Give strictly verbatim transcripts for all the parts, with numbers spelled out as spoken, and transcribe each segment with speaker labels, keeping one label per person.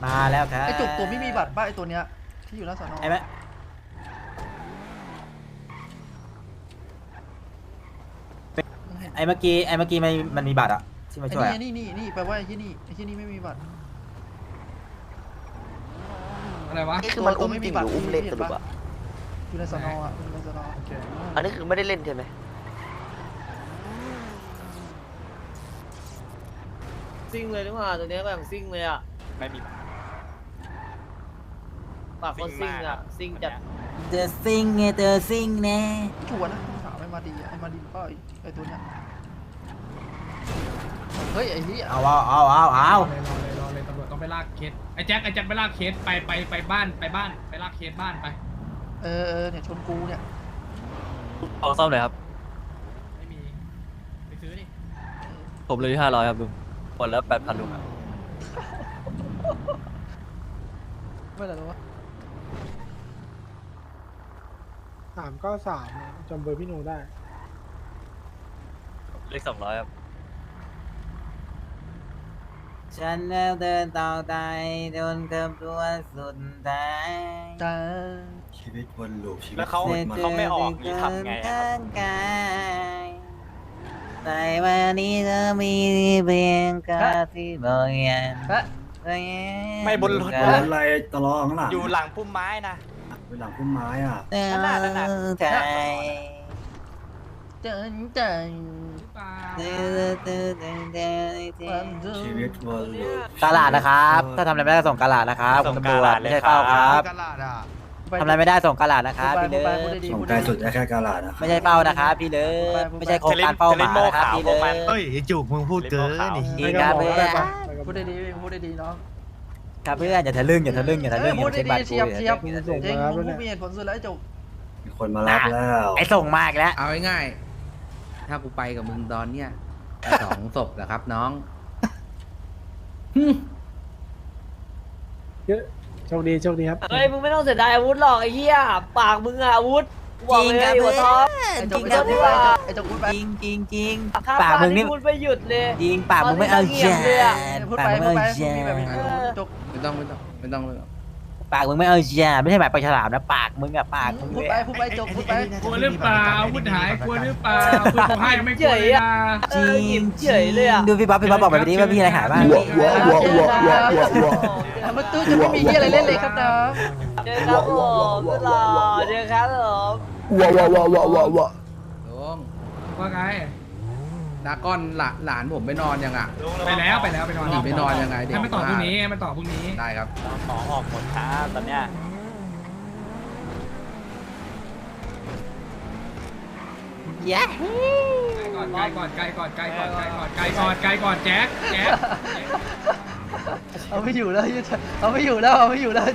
Speaker 1: มาแล้วครับ
Speaker 2: ไอจุกตัวไม่มีบัตรป่ะไอตัวเนี้ยที่อยู่หน้าสอนอ
Speaker 1: ไอ้แม่ไอ้เมื่อกี้ไอ้เมื่อกี้มันมันมีบัตรอะที่มา
Speaker 2: ไอ้
Speaker 1: ช่วย
Speaker 2: นี่นี่นี่แปลว่าไอ้ที่นี่ไอ้ที่นี่ไม่มีบัตร
Speaker 3: อะไรวะ
Speaker 4: นี่คือมันอุ้มจริงหรืออุ้มเล่นสรุปอะ
Speaker 2: อยู่ในสอนอ่ะอยู่ในสอนอ
Speaker 4: อันนี้คือไม่ได้เล่นใช่ไหม
Speaker 5: ซิ่งเลยดีกว่าตัวเนี้ยแบบซิ่งเลยอ่ะ
Speaker 6: ไม่มี
Speaker 5: ปากคนซิ่งอ่ะซิ่งจัด
Speaker 1: เธอซิงไงเธอซิงแน่
Speaker 2: ชัวร์นะถามไอ้มาดีไอ้มาดีป่ะไอ้ตัวเนี้ยเฮ้ยไอ้ที่
Speaker 1: เอาเอาเอาเอาเอา
Speaker 3: รอเลยรอเลยรอเลยตำรวจต้องไปลากเคสไอ้แจ็คไอ้แจ็คไปลากเคสไปไปไปบ้านไปบ้านไปลากเคสบ้านไป
Speaker 2: เออเออเนี่ยชนกูเนี่ย
Speaker 6: เอาซ่อมเลยครับ
Speaker 3: ไม่มีไปซื้อดิ
Speaker 6: ผมเลยที่ห้าร้อยครับลุงหมดแล้วแปดพันลุงครับ
Speaker 2: ไม่อะไรหรอวะ
Speaker 7: สามก็สามจำเบอร์พี่โนได้
Speaker 6: เลขสองร้อยครับ
Speaker 1: ฉันแล้วเดินต่อไปจนเกือบตัวสุดท้าย
Speaker 2: จ้า
Speaker 8: ชีวิตวนลูปชีวิต
Speaker 6: แล้วเขา
Speaker 8: โคตรมัน
Speaker 6: เขาไม่ออกนี่ทำไงอะครับ
Speaker 1: แต่วันนี้เธอมีเพียงกาที่บอกยัน
Speaker 2: ฮะ
Speaker 6: ไม่บนรถ
Speaker 8: รถอะไรตลอข้างหลัง
Speaker 6: อยู่หลังพุ่มไม้นะ
Speaker 8: เป็นหลังพุ่มไม้อ่ะ
Speaker 1: เดินใจ
Speaker 2: เจินเจิน
Speaker 3: หรือเปล่า
Speaker 8: ชีวิตวนลูป
Speaker 1: กาลาดนะครับ ถ้าทำอะไรไม่ได้ส่งกาลาดนะครับ
Speaker 6: ส่ง
Speaker 1: คุณตำรวจ
Speaker 6: กาลาดเลย
Speaker 1: ไม่ใช่เป้าครับ
Speaker 6: ครับ
Speaker 1: ทำอะไรไม่ได้ส่งกาลาดนะครับพี่เลิ
Speaker 2: พูด
Speaker 1: ศ
Speaker 2: พูดดี
Speaker 8: ส่ง
Speaker 2: พูด
Speaker 8: ไกล
Speaker 2: ดี
Speaker 8: สุดได้แค่กาลาดนะครับ
Speaker 1: ไม่ใช่เป้านะครับพี่เลิศไม่ใช่โครงการเป้าหมายนะครับพี่เลิศ
Speaker 6: เฮ้ยจุกมึงพูดเกินนี่
Speaker 1: ดีครับเพื่อน
Speaker 2: พูดดีพูดดีน้อง
Speaker 1: ครับเพื่อนอย่าทะลึ่งอย่าทะลึ่งอย่าทะลึ่งอย่า
Speaker 2: พูด
Speaker 1: ใช้
Speaker 2: ดี
Speaker 1: บัตร
Speaker 2: เชียบเชียบ
Speaker 7: มีส่ง
Speaker 2: เอง
Speaker 7: มาแล้ว
Speaker 2: มึ
Speaker 7: ด้
Speaker 2: ง
Speaker 7: วย
Speaker 2: มี
Speaker 7: เนี่ย
Speaker 2: เหตุผลสุดแล้วไอ้จุก
Speaker 8: มีคนมารับแล้ว
Speaker 1: ไอ้ส่งมากแล้ว
Speaker 9: เอาง่ายๆ ถ้ากูไปกับมึงตอนเนี้ยสองศพแหละครับน้อง
Speaker 7: เยอะโชคดีโชคดีครับ
Speaker 5: เฮ้ยมึงไม่ต้องเสียดายอาวุธหรอกไอ้เหี้ยปากมึงอะอาวุธบอกเลยหัวท็อป
Speaker 2: ไอ้
Speaker 1: จ
Speaker 2: จุ
Speaker 1: ริ
Speaker 2: ก
Speaker 1: ง
Speaker 2: ไอ้
Speaker 1: ค
Speaker 2: จุ
Speaker 1: รับ
Speaker 2: ก
Speaker 1: เพื่อน
Speaker 2: ไอ้จุกพูดไป
Speaker 1: จริงจริงจริง
Speaker 5: ข้า
Speaker 1: ปากมึงนี่
Speaker 5: พูดไม่หยุดเลย
Speaker 1: จริงปากมึงไม่เอา
Speaker 5: เงี
Speaker 1: แย่
Speaker 5: ยบเลยอะ
Speaker 2: พูด
Speaker 1: ปาก
Speaker 2: ไป
Speaker 1: มึง
Speaker 2: พูด
Speaker 1: ไม่
Speaker 2: ไป
Speaker 1: เอา
Speaker 2: มึ
Speaker 1: แย่
Speaker 2: งมีแบบนี้จุก
Speaker 9: ไม่ต้องไม่ต้องไม่ต้องไม่ต้อง
Speaker 1: ปากมึงไม่เอาแย่ไม่ใช่หมายปลาฉลามนะปากมึงอะปากมึง
Speaker 2: พูด
Speaker 1: เลย
Speaker 2: ไปพูดไปจุกพูดไป
Speaker 3: กลัวหรือเปล่าอาวุธหายกลัวหรือเปล่าคุณผมให้ยังไม่กลัวเลยนะ
Speaker 5: เออหยิบเฉยเลยอะ
Speaker 1: ดูพี่บ๊อบพี่บ๊อบบอกแบบนี้ว่าพี่อะไรหายบ้าง
Speaker 2: มันตู้จะไม่มีที่อะไรเล่นเลยครับน้อง
Speaker 5: เจอครับผมตลอดเจอครับผม
Speaker 9: ลุง
Speaker 3: ว่าไง
Speaker 9: ดาก้อนหลานหลานผมไปนอนยังอ่ะ
Speaker 3: ไปแล้วไปแล้วไปนอน
Speaker 9: หนีไปนอนยังไงเด็ก
Speaker 3: ให้มันต่อพรุ่งนี้ให้มันต่อพรุ่งนี้
Speaker 9: ได้ครับ
Speaker 6: ของออกหมดครับตอนเนี้ย
Speaker 1: แย่
Speaker 3: ไกลก่อนไกลก่อนไกลก่อนไกลก่อนไกลก่อนไกลก่อนไกลก่อนแจ็คแจ็ค
Speaker 2: เอาไม่อยู่แล้วเอาไม่อยู่แล้วเอาไม่อยู่แล้ว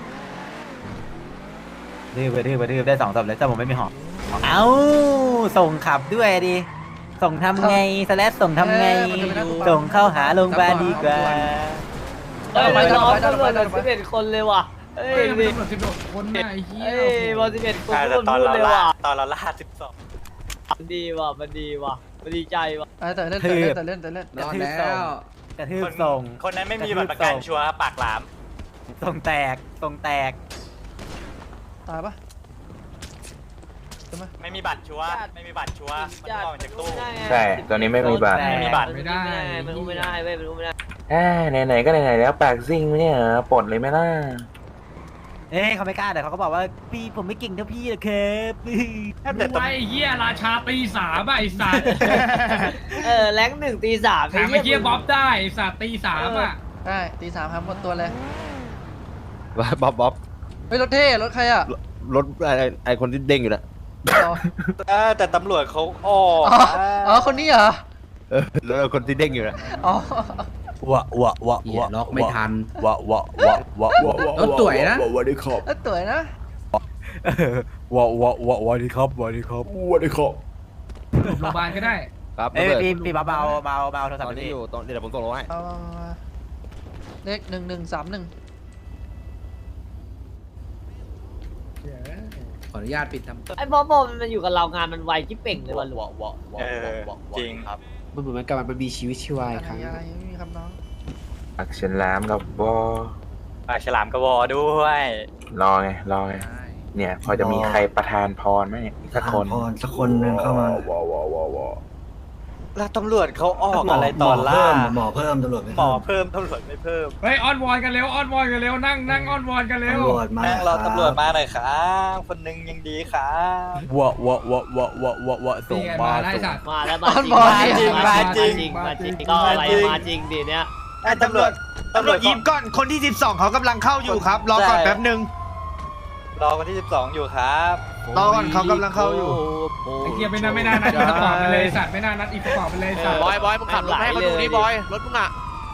Speaker 1: ดื้อไปดื้อไปดื้อได้สองศพเลยแต่ผมไม่มีหอกเอ้าส่งขับด้วยดิส่งทำไงสแลสส่งทำไงส่งเข้าหาโรงพยาบาลดีกว่า
Speaker 5: เฮ้ยน้องตำรวจแบบสิบเอ็ดคนเลยว่ะเฮ้ย
Speaker 3: เฮ้ยมัน
Speaker 5: ดิ
Speaker 3: ตำรวจสิบหกคนน่ะไอ้เหี้ย
Speaker 5: เฮ้ยบอลสิบเอ็ดคน
Speaker 6: ใช่
Speaker 5: พู
Speaker 6: แต่
Speaker 5: ด
Speaker 6: ตอน
Speaker 5: พูด
Speaker 6: เรา
Speaker 5: เลย
Speaker 6: ล่า
Speaker 5: ว่ะ
Speaker 6: ตอนเราล่าสิบสอง
Speaker 5: มันดีว่ะมันดีว่ะมันดีใจว่ะ
Speaker 2: แต่เล่นแต่เล่นแต่เล่นแต่เล่น
Speaker 9: นอนแล้ว
Speaker 1: กระทืบ
Speaker 6: คน
Speaker 1: ส่ง
Speaker 6: คนนั้นไม่มีบัตรประกันชัวร์ปากหลาม
Speaker 1: ส่งแตกส่งแตก
Speaker 2: ตายปะใช่ไหม
Speaker 6: ไม่มีบัตรชัวร์ไม่มีบัตรชัวร์มันออกจากตู้
Speaker 10: ใช่ตอนนี้ไม่มีบัตร
Speaker 6: ไม่มีบัตร
Speaker 5: ไม่ได้มันรู้ไม่ได้เว้ยมันรู้ไม่ได้
Speaker 10: แหมไหนๆก็ไหนๆแล้วปากซิ่งเนี่ยปลดเลยไหมล่ะ
Speaker 1: เอ้ยเขาไม่กล้าแต่เขาก็บอกว่าพี่ผมไม่เก่งเท่าพี่หรอกครับ
Speaker 6: แต่
Speaker 3: ไอ้เหี้ยราชาตีสามอ่ะไอ้สัตว์
Speaker 5: เออแรงหนึ่งตีสาม
Speaker 3: ถามไอ้เหี้ยบ๊อบได้ไอ้สัตว์ตีสามอ่ะ
Speaker 2: ได้ตีสามครับหมดตัวเลย
Speaker 10: บ๊อบบ๊อบ
Speaker 2: เฮ้ยรถเท่รถใครอ่ะ
Speaker 10: รถไอไอคนที่เด้งอยู่นะ
Speaker 6: เออแต่ตำรวจเขาออก
Speaker 2: อ๋ออ๋อคนนี้เหรอ
Speaker 10: เออรถคนที่เด้งอยู่นะ
Speaker 2: อ๋อ
Speaker 1: วะวะวะ
Speaker 9: เหี้ยว
Speaker 1: ะ
Speaker 9: ล็อกไม่ทัน
Speaker 1: วะวะวะวะวะ
Speaker 9: รถสวยนะ
Speaker 8: วันนี้ขอบ
Speaker 2: แล้วตัวนะ
Speaker 1: วะวะวะวะดีครับวะดีครับ
Speaker 8: วันนี้ขอบ
Speaker 3: โรงพยาบาลก็ได้
Speaker 10: ครับ
Speaker 1: เอ้ยพี่พี่เบาเบาเบาเบาโทรศัพ
Speaker 10: ต
Speaker 1: ท์
Speaker 10: อน
Speaker 1: ไป
Speaker 10: นี้
Speaker 1: ดิ
Speaker 10: อยู่ตอนเดี๋ยวผมส่งลงให้
Speaker 2: เอามามามาเลขหนึ่งหนึ่งสามหนึ่ง
Speaker 9: ขออนุญาตปิดทำ
Speaker 5: ไอ้บอมบอมมันอยู่กับเรางานมันไวที่เป่งเลยว่ะหลวง
Speaker 6: เออจริงครับ
Speaker 7: มันเหมือนมันกำลังเป็นมีชีวิตชีวา
Speaker 2: อะ
Speaker 7: อีกครั้ง
Speaker 2: ไรอะไรไม่มีครับน้อง
Speaker 10: อักเชนแลมกับบอ
Speaker 1: ปากฉลามกระวอด้วย
Speaker 10: รอไงรอไงเนี่ย พอจะมีใครประทานพรไหมอีกสักคน
Speaker 8: พรสักคนหนึ่งเข้ามา
Speaker 10: วอวอวอวอ
Speaker 1: แล้วตำรวจเขาออกอะไรตอน
Speaker 8: หม
Speaker 1: ล่า
Speaker 8: เพิ่มหมอเพิ่มตำรวจไม่
Speaker 1: หมอ
Speaker 8: เพิ่ม
Speaker 1: เพิ่มตำรวจไม่เพิ่ม
Speaker 3: เฮ้ยอ้อนวอนกันเร็วอ้อนวอนกันเร็วนั่งนั่งอ้อนวอนกันเร็ว
Speaker 8: ตำรวจมา
Speaker 1: นั่งรอ
Speaker 8: คบ
Speaker 1: ตำรวจมาหน่อยครับคนหนึงยังดีครับวะวะวะวะวะวะวะส่ง
Speaker 3: นี่ไง
Speaker 1: มา
Speaker 3: มาได้
Speaker 1: ส่ง
Speaker 3: สัตว์
Speaker 5: มาแล้วมาจริง
Speaker 1: มาจริง
Speaker 5: มาจริง
Speaker 3: มาจริง
Speaker 5: ก็อะไร
Speaker 1: มาจริง
Speaker 5: มาจริงดิเนี่ย
Speaker 1: ไอ้ตำรวจตำรวจยิ้มก่อน
Speaker 2: คนที่สิบสองเขากำลังเข้าอยู่ครับ รอก่อนแป๊บหนึ่ง
Speaker 1: รอคนที่สิบสองอยู่ครับ
Speaker 2: รอก่อนเขากำลังเข้าอยู่
Speaker 3: ไอ้เกียไม่น่าไม่น่านัดอีกกระป๋องไปเลยสัตว์ไม่น่านัดอีกกระป๋องไปเลยสัตว์
Speaker 5: บอยบอยมึงขับรถให้เขาดูดิบอยรถมึงอ่ะ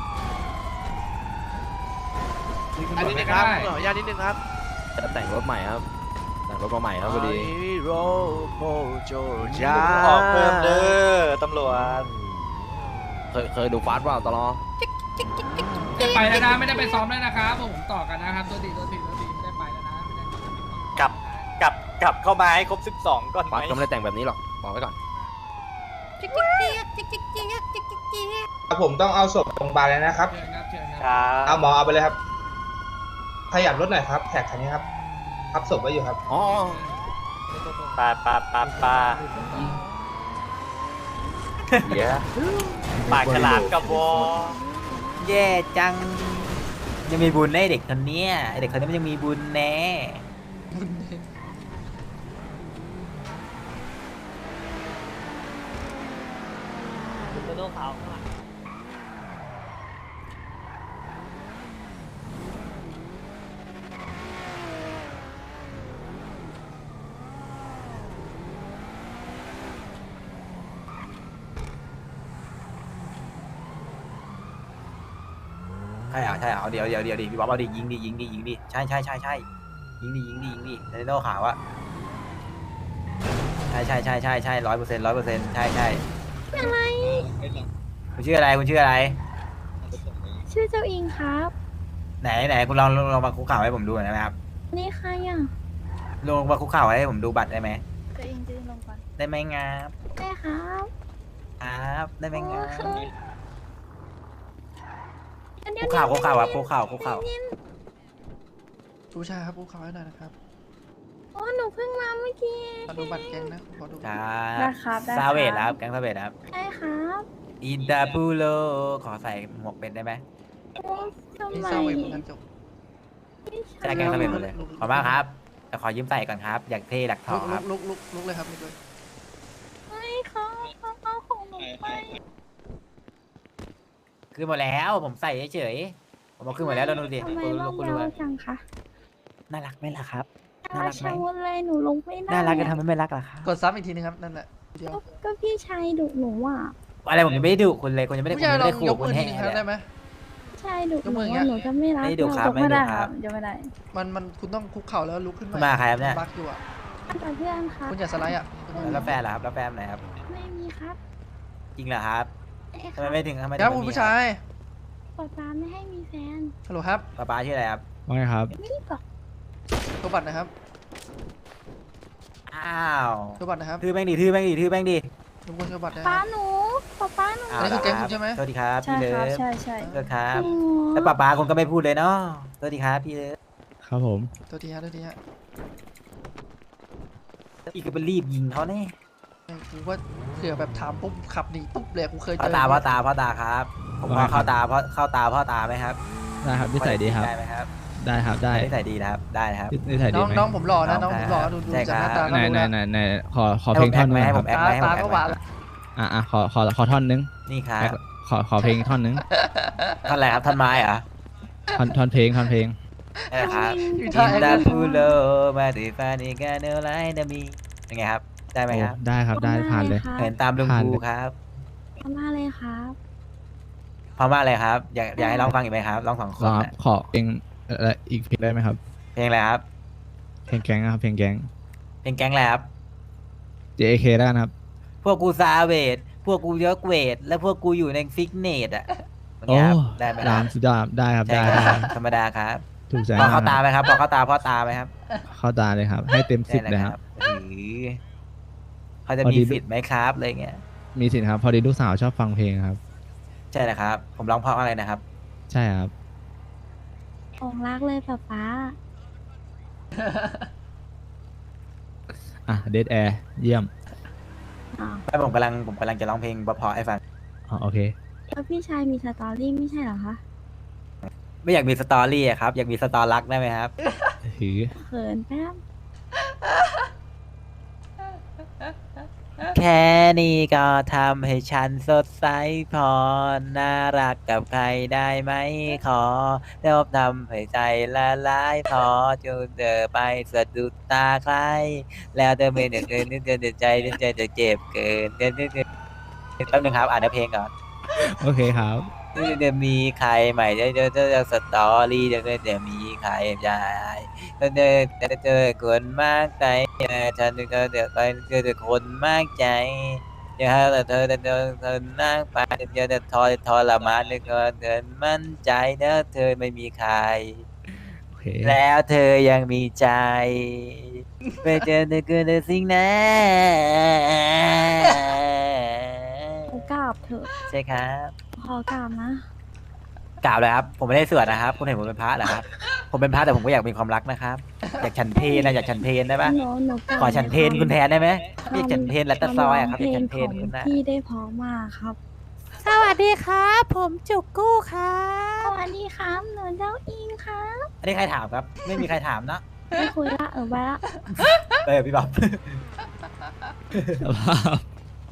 Speaker 3: อันนี้นะครับ
Speaker 5: ญาตินิดนึงครับแต่งรถใหม่ครับแต่งรถมาใหม่ครับพอดี
Speaker 1: ออกเพิ่มเด้อตำรวจ
Speaker 5: เคยเคยดูฟาสต์เปล่าตลอด
Speaker 3: จะไปแล้วนะไม่ได้ไปซ้อมแล้วนะครับผมต่อกันนะครับตัวตีตัวตีตัวตีไม่ได้ไปแล้วนะไม่ได้
Speaker 1: กลับกลับกลับเข้ามาให้ครบสิบสองก่อนไหม
Speaker 5: ฟาสต์ก็ไม่ได้แต่งแบบนี้หรอกบอกไว้ก่อน
Speaker 7: ผมต้องเอาศพโรงพยาบาลเลยนะครับ
Speaker 3: เชิญครับเชิญค
Speaker 1: ครับ รับ
Speaker 7: เอาหมอเอาไปเลยครับ ขยับรถหน่อยครับ แท็กคันนี้ครับทับศพไว้อยู่ครับ
Speaker 5: อ๋อ
Speaker 1: ปาปาปาปา
Speaker 10: เดี๋ยว
Speaker 1: ปากฉลามกับวอแย่จัง ยังมีบุญแน่เด็กคนเนี้ยไอ้เด็กคนนี้มันยังมีบุญแน่
Speaker 5: คุณโดนเขาข้างหลัง
Speaker 1: ใช่เหรอใช่เหรอเอาเดี๋ยวเดี๋ยวเดี๋ยวดิพี่บ๊อบเอาดิยิงดิยิงดิยิงดิใช่ใช่ใช่ใช่ยิงดิยิงดิยิงดิในโน่ขาวอะใช่ใช่ใช่ใช่ใช่ร้อยเปอร์เซ็นต์ร้อยเปอร์เซ็นต์ใช่ใช่อะไรคุณชื่ออะไรคุณชื่ออะไร
Speaker 11: ชื่อเจ้าอิงครับ
Speaker 1: ไหนไหนคุณลองลองลองมาคุกเข่าให้ผมดูหน่อยได้ไหมครับ
Speaker 11: นี่ใครอ่ะ
Speaker 1: ลองมาคุกเข่าให้ผมดูบัตรได้ไหม
Speaker 11: เจ้าอิงจะลงก่อน
Speaker 1: ได้ไหมงับ
Speaker 11: ได้ครับ
Speaker 1: ครับได้ไหมงับ
Speaker 11: เดี๋ยว
Speaker 1: คุกเข่าคุกเข่าครับคุกเข่าคุกเข่า
Speaker 2: ผู้ชายครับผู้เขาให้หน่อยนะครับ
Speaker 11: โอ้หนูเพิ่งมาเมื่อกี้
Speaker 2: ขอดูบัตรแกงนะขอดู
Speaker 1: ครั
Speaker 11: ได้
Speaker 1: บ
Speaker 11: ครับได้
Speaker 1: ซาเวด
Speaker 11: ค
Speaker 1: ค
Speaker 11: รั
Speaker 1: รั
Speaker 11: บบ
Speaker 1: แก๊งซาเวดครับ
Speaker 11: ได้ครับ
Speaker 1: อินดาปูโลขอใส่หมวกเป็นได้ไหม
Speaker 11: โอ้ทำ
Speaker 2: พี่
Speaker 11: ไม
Speaker 2: เศร้าเองเหมือนกันจบ
Speaker 1: ใช่แก๊งซาเวดหมดเลยขอบมากครับแต่ขอยืมใส่ก่อนครับ อยากเท่หลักท
Speaker 2: ลุ
Speaker 1: อง
Speaker 2: ก
Speaker 1: ค
Speaker 2: ลุ
Speaker 1: รับ
Speaker 2: กลุกลุกลุกเลยครับลุกเลย
Speaker 11: ไม่เขาเขาเอาของหนูไป
Speaker 1: ขึ้นหมดแล้วผมใส่เฉยๆผมเอาขึ้นหมดแล้วแล้วดูดิ
Speaker 11: ทำไม
Speaker 1: คุณ
Speaker 11: ร
Speaker 1: ลู
Speaker 11: อก บ
Speaker 1: คุณ
Speaker 11: ยา
Speaker 1: ดู
Speaker 11: วจังคะ
Speaker 1: น่ารักไหมล่ะครับ
Speaker 11: น่า
Speaker 1: น่ารั
Speaker 11: รั
Speaker 1: ก
Speaker 11: ก
Speaker 1: ไหม
Speaker 11: ชะมุดเลยหนูลงไม่ได้
Speaker 1: น่ารักจะ
Speaker 11: อะ
Speaker 1: ทำให้ไม่รักล่ะครับ
Speaker 2: กดซ้ำอีกทีนึงครับนั่นแหละเดียว
Speaker 11: ก็ก็พี่ชายดุหนูอ่ะ
Speaker 1: อะไรผมยังไม่ได้ดุคุณเลยคุณยังไม่ได้
Speaker 2: ผู้
Speaker 1: คุณ
Speaker 2: ชาย
Speaker 1: ยัง
Speaker 2: ลอ
Speaker 1: ไม่
Speaker 2: ง
Speaker 1: ได้ขู่
Speaker 2: ยก
Speaker 1: คุ
Speaker 2: มื
Speaker 1: ณ
Speaker 2: อที
Speaker 1: แห่
Speaker 2: นึงครับ
Speaker 1: เลย
Speaker 2: ได้ไหม
Speaker 11: พี่ชายดุห
Speaker 2: ยกมื
Speaker 11: นู
Speaker 2: ออย่างเงี้
Speaker 11: ว่าย หนูจะไม่รัก
Speaker 1: ไม่ดุครับ
Speaker 11: ยกไม่ได้
Speaker 1: ไม่ดุ
Speaker 11: ค
Speaker 1: ครั
Speaker 11: รับ บยกไม่ได้
Speaker 2: มันมันคุณต้องคุกเข่าแล้วลุกขึ้น
Speaker 1: คุณมาใครครับเนี่ย
Speaker 2: บักอยู่อ่ะ
Speaker 11: กับเพื่อนครับ
Speaker 2: คุณอย่าสไลด์อ่ะ
Speaker 1: แล้วแฟนล่ะครับแล้วแฟนไหนครับ
Speaker 11: ไม่มีครับ
Speaker 1: จริงเหรอครับ
Speaker 11: ไอ้ค
Speaker 1: ทำ
Speaker 11: รั
Speaker 1: ไม
Speaker 11: บ
Speaker 1: ไม่ถึงทำไม
Speaker 2: ครับ
Speaker 1: ถึง
Speaker 2: คุณ
Speaker 1: ไม่มี
Speaker 2: ผู้ชาย
Speaker 11: ป๊าป๊าไม่ให้มีแฟน
Speaker 2: ฮัลโหลครับ
Speaker 1: ป้าป้าชื่ออะไรครับ
Speaker 6: ว่าไงครับ
Speaker 11: ไม่ได้บอก
Speaker 2: ตัวบัตรนะครับ
Speaker 1: อ้าว
Speaker 2: ตัวบัตรนะครับ
Speaker 1: ทื่อแม่งดิทื่อแม่งดิทื่อแม่งดิ
Speaker 2: รบกวนตัวบัตรนะค
Speaker 11: ป้า
Speaker 2: รับ
Speaker 11: หนูป๊าป๊าหนู
Speaker 1: อ้าว
Speaker 2: อันนี้คือแก๊ง
Speaker 1: เหร
Speaker 2: คุณใช่ไหม
Speaker 1: สวัสดีครับ
Speaker 11: ใช่
Speaker 1: พี่เลิ
Speaker 11: ครับ
Speaker 1: ฟ
Speaker 11: ใช่ใช่
Speaker 1: สวัสดีครับ
Speaker 11: จริงเหรอ
Speaker 1: แล้วป้าป้าคุณก็ไม่พูดเลยเนาะสวัสดีครับพี่เลิฟ
Speaker 6: ครับผม
Speaker 2: ตัวทีฮะตัวทีฮะ
Speaker 1: อีกก็ไปรีบยิงเขาแน่
Speaker 2: ไอ้กูว่าเผื่อแบบถามปุ๊บขับหนีปุ๊บเลยกูเคยเจ
Speaker 1: พ่อ
Speaker 2: อ
Speaker 1: ตาพ่อตาพ่อตาครับ ผมว่าเข้าตาพ่อเข้าตาพ่อตาไหมครับ
Speaker 6: ได้ครับนิสัยดีครับ
Speaker 1: ได้ไหมครับ
Speaker 6: ได้ครับ ได้
Speaker 1: นิสัยดีนะครับได้นะครับ
Speaker 6: นิสัย
Speaker 2: น้
Speaker 6: ดี
Speaker 2: อง
Speaker 6: ไหม
Speaker 2: น้องผมหล่อนะ
Speaker 1: น้
Speaker 2: น้
Speaker 1: อ
Speaker 2: อง ง
Speaker 1: ค
Speaker 2: ผ
Speaker 1: รับ
Speaker 2: มหล่อดูดู
Speaker 1: ใช่
Speaker 2: จากหน้า
Speaker 1: ครั
Speaker 2: ตา
Speaker 1: บ
Speaker 2: ก็
Speaker 6: ไหน
Speaker 2: รู้
Speaker 6: ไหน
Speaker 2: แล้ว
Speaker 6: ไหนไหนขอขอเพลงท่อนหนึง
Speaker 1: ให้
Speaker 6: ค
Speaker 1: ผ
Speaker 6: รับ
Speaker 1: มแอค
Speaker 2: ตา
Speaker 1: ไหมให้ผม
Speaker 2: ตา
Speaker 1: แอค
Speaker 2: ก็
Speaker 1: ไห
Speaker 2: ห
Speaker 1: ม
Speaker 2: วานละ
Speaker 6: อ่ะอ่ะขอขอขอท่อนหนึง
Speaker 1: นี่ครับ
Speaker 6: ขอขอเพลงท่อนหนึง
Speaker 1: ท่านอะไรครับท่านไม้เหรอ
Speaker 6: ท่อนท่อนเพลงท่อนเพลง
Speaker 1: นี่ครับ
Speaker 2: อยู่
Speaker 1: อิ
Speaker 2: ท่าน ไอ้
Speaker 1: ดา
Speaker 2: นี่
Speaker 1: พูโลมาติฟานิกาเนลไลนามีเป็นไงครับได้ไหมครับ
Speaker 6: โอ้ได้ครับได้ผ่านเลย
Speaker 1: เห็นตามลุง
Speaker 6: ผ่าน
Speaker 1: ครู
Speaker 6: เลย
Speaker 1: ครับ
Speaker 11: ทำมาเลยครับ
Speaker 1: พร้อมมากเลยครับ อยากอยากให้ร้องฟังอีกไหมครับร้องสองค
Speaker 6: รอน ครับ
Speaker 1: น่ะ
Speaker 6: ขอเพลงเอ่ออีกเพลงได้ไหมครับ
Speaker 1: เพลงอะไรครับ
Speaker 6: เพลงแก๊งนะครับเพลงแก๊ง
Speaker 1: เพลงแก๊งอะไรครับ
Speaker 6: เจ เค ได้นะครับ
Speaker 1: พวกกูซาเวทพวกกูยกเวท และพวกกูอยู่ในฟิกเนตอ่ะเป็น
Speaker 6: โอ้
Speaker 1: ไงครับได้ไหมค
Speaker 6: ดา
Speaker 1: รั
Speaker 6: ม
Speaker 1: บ
Speaker 6: สุดยอดได้ครับ
Speaker 1: ใช่
Speaker 6: ได้
Speaker 1: ค
Speaker 6: ได้
Speaker 1: รับธรรมดาครับ
Speaker 6: ถูกใจ
Speaker 1: พอ
Speaker 6: มาก
Speaker 1: เข้าตา
Speaker 6: ครับ
Speaker 1: ไหมครับพอเข้าตาพ่อตาไหมครับ
Speaker 6: เข้าตาเลยครับ ให้เต็มสิบ
Speaker 1: ได้
Speaker 6: เลยครับ
Speaker 1: หรือเขาจะ
Speaker 6: พอ
Speaker 1: มี
Speaker 6: ดี
Speaker 1: สิทธิ์ไหมครับอะไรเงี้ย
Speaker 6: มีสิทธิ์ครับ พอดีลูกสาวชอบฟังเพลงครับ
Speaker 1: ใช่นะครับ ผมร้องเพราะอะไรนะครับ
Speaker 6: ใช่ครับ
Speaker 11: องรักเลยป๊าป๊า
Speaker 12: อ่ะเดดแอร์เยี่ยม
Speaker 11: อ้าว
Speaker 1: แต่ผมกำลังผมกำลังจะร้องเพลงเพราะๆให้ฟัง
Speaker 12: อ๋อโอเค
Speaker 11: แล้วพี่ชายมีสตอรี่ไม่ใช่เหรอคะ
Speaker 1: ไม่อยากมีสตอรี่อะครับ อยากมีสตอรักได้ไหมครับ
Speaker 12: ถือ
Speaker 11: เขินแป๊บ
Speaker 1: แค่นี้ก็ทำให้ฉันสดใสพอ น่ารักกับใครได้ไหมขอเดี๋ยวทำให้ใจละลายพอจนเธอไปสะดุดตาใคร แล้วเธอไม่เดือดเกินนึกเกินใจนึกใจจะเจ็บเกินเกินนึกเกินแป๊บนึงครับอ่านเนื้อเพลงก่อน
Speaker 12: โอเคครับ
Speaker 1: จะมีใครใหม่จะเจอเจอสตอรี่จะจะมีใครใจจะเจอจะเจอคนมากใจฉันจะเจอใครเจอคนมากใจจะให้เธอเธอเธอนั่งไปจะจะทรทรมานนึกเกินมั่นใจเนอะเธอไม่มีใคร
Speaker 12: โอเค
Speaker 1: แล้วเธอยังมีใจไปเจอเธอเกินสิ่งนั้น
Speaker 11: ขอกราบเถอะ
Speaker 1: ใช่ครับ
Speaker 11: ขอกราบนะ
Speaker 1: กล่าวเลยครับ ผมไม่ได้สวดนะครับ คุณเห็นผมเป็นพระเหรอครับ ผมเป็นพระแต่ผมก็อยากมีความรักนะครับ อยากฉันเพลนะอยากฉันเพลได้ปะ
Speaker 11: หนูหนูกราบ
Speaker 1: ขอฉันเพลคุณแทนได้ไหมอยากฉันเพลและตะซอยอะครับ
Speaker 11: เพ
Speaker 1: อยาก
Speaker 11: ล
Speaker 1: ฉั
Speaker 11: ง
Speaker 1: นเพล
Speaker 11: ของ
Speaker 1: คุณนะ
Speaker 11: พี่ได้เพอมากครับ
Speaker 13: สวัสดีครับ ผมจุกกู้ครับ
Speaker 11: สวัสดีครับหนูเจ้าอิงครับ
Speaker 1: อันนี้ใครถามครับ ไม่มีใครถามนะ
Speaker 11: ไม่คุยละเออไปละ
Speaker 1: เออพี่บ๊อบ
Speaker 12: สภาพ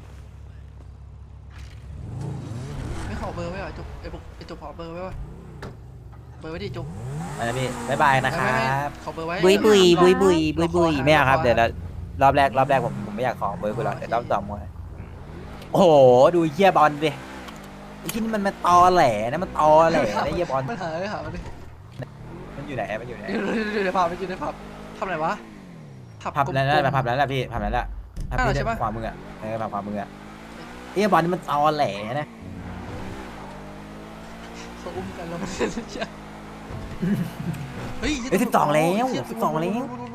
Speaker 2: ไม่ขอเบอร์ไว้เหรอจุกไอ้บุกไอ้จุกขอเบอร์ไว้วะเบอร์ไว้ดิจุก
Speaker 1: อันนี้พี่บ๊ายบายนะค
Speaker 2: ไม่
Speaker 1: รั
Speaker 2: ไม่ไม่
Speaker 1: บ
Speaker 2: ขอเบอร์ไว้
Speaker 1: บุยบุยบุยบุย
Speaker 2: เรา
Speaker 1: บุย
Speaker 2: ขอ
Speaker 1: บุย
Speaker 2: ห
Speaker 1: ไม่เอาครับ
Speaker 2: ข
Speaker 1: เดี๋ยวเรารอบแรกรอบแรกผมผมไม่อยากขอเบอร์คุณหรอกเดี๋ยวรอบสองมวยโอ้โหดูเหี้ยบอลดิไอ้ที่นี่มันมันตอแหลนะมันตอแหลนะเหี้ยบอล
Speaker 2: มันหาไม่หามันดิ
Speaker 1: มันอยู่ไหนมันอยู่ไหน
Speaker 2: อยู่อยู่ในผับมันอยู่ในผับทำไหนวะ
Speaker 1: ผับ
Speaker 2: กลมๆ
Speaker 1: นั้นแหละผับนั้นแหละพี่ผับนั้นแหละผับ
Speaker 2: อ้าว
Speaker 1: ที่
Speaker 2: ใช่ปะ
Speaker 1: ขวามืออะเออผับขวามืออะไอ้เหี้ยบอลนี่มันตอแหลนะ
Speaker 2: เขาอุ้มกันแล้วมันเล่นเชี่ยเฮ้ย
Speaker 1: เฮ้ยสิบสองแล้ว
Speaker 2: เชี่ย
Speaker 1: สิบสองแล้ว
Speaker 2: ดูดูดู